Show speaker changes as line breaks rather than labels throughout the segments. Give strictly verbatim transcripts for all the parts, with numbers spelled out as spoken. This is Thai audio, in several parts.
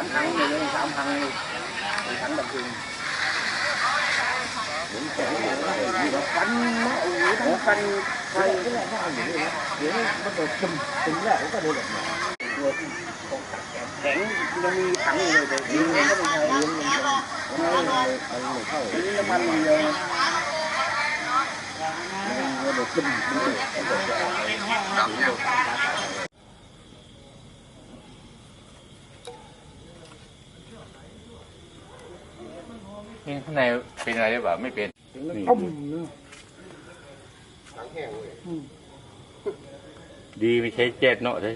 ามถังเลยสามถังเลยถังดับเพลิงเหมือนแข็งฟันนะโอ้โหทั้งฟันไฟก็แหละว่าอย่างนี้นะเดี๋ยวมันโดดจุ่มจุ่มแล้วก็โดนออกมาตัวที่ของตัดแข็งยังมีถังเลยแต่ยิงก็ไม่ใช่ยิงมันมันไม่ไม่เข้ายิงน้ำมันเดียวมันโดดจุ่มมันโดดมันโดด
นี่ข้างในเป็นอะไรหรือเปล่าไม่เป็น
ต้มเนื้อถังแห้งเลย
ดีไม่ใช่เจ็ดเนาะเลย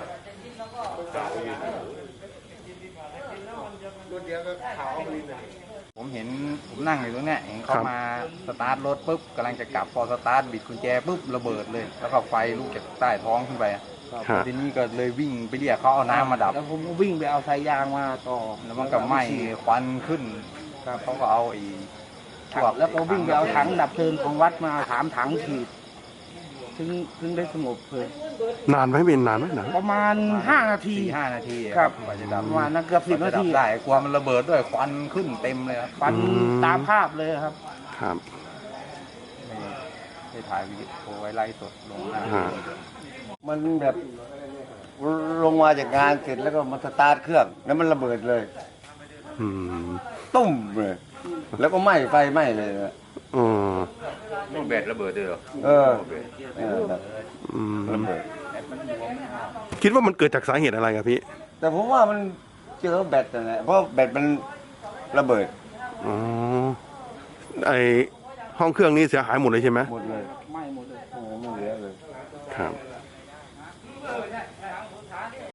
ผมเห็นผมนั่งอยู่ตรงเนี้ยเห็นเขามาสตาร์ทรถปุ๊บกำลังจะกลับพอสตาร์ทบิดกุญแจปุ๊บระเบิดเลยแล้วก็ไฟลุกจากใต้ท้องขึ้นไปทีนี้ก็เลยวิ่งไปเรียกเขาเอาน้ำมาดับ
แล้วผมก็วิ่งไปเอาสายยางมาต่อ
แล้วมันก็ไหม้ควันขึ้นเขาก็เอาไอ้พวก
แล้วก็วิ่งไปเอาถังดับเพลิงของวัดมาถามถังฉีดถึงถึงได้สงบเลย
นานไหมเป็นนานไหมนาน
ประมาณห้านาที
ห้านาที
ครับ
กว่าจะดับ
ประมาณนั้นเกือบสิบนาที
ได้กลัวมันระเบิดด้วยควันขึ้นเต็มเลยครับ
ควันตามภาพเลยครับ
ครับ
ได้ถ่ายวิดีโอไว้ไล่สดลงหน้า
มันแบบลงมาจากงานเสร็จแล้วก็มาสตาร์ทเครื่องแล้วมันระเบิดเลยตุ้มเลยแล้วก็ไหม้ไฟไหม้เลย
อืม
ลูกแบตระเบิดด้วยเหรอ
เออ
ระเบิดคิดว่ามันเกิดจากสาเหตุอะไรครับพี่
แต่ผมว่ามันเจอแบตนั่นแหละเพราะแบตมันระเบิด
อ๋อไอห้องเครื่องนี้เสียหายหมดเลยใช่ไหม
หมดเลย
ไหม้หมดเลย
โอ้ไม่เหลือเลย
ครับ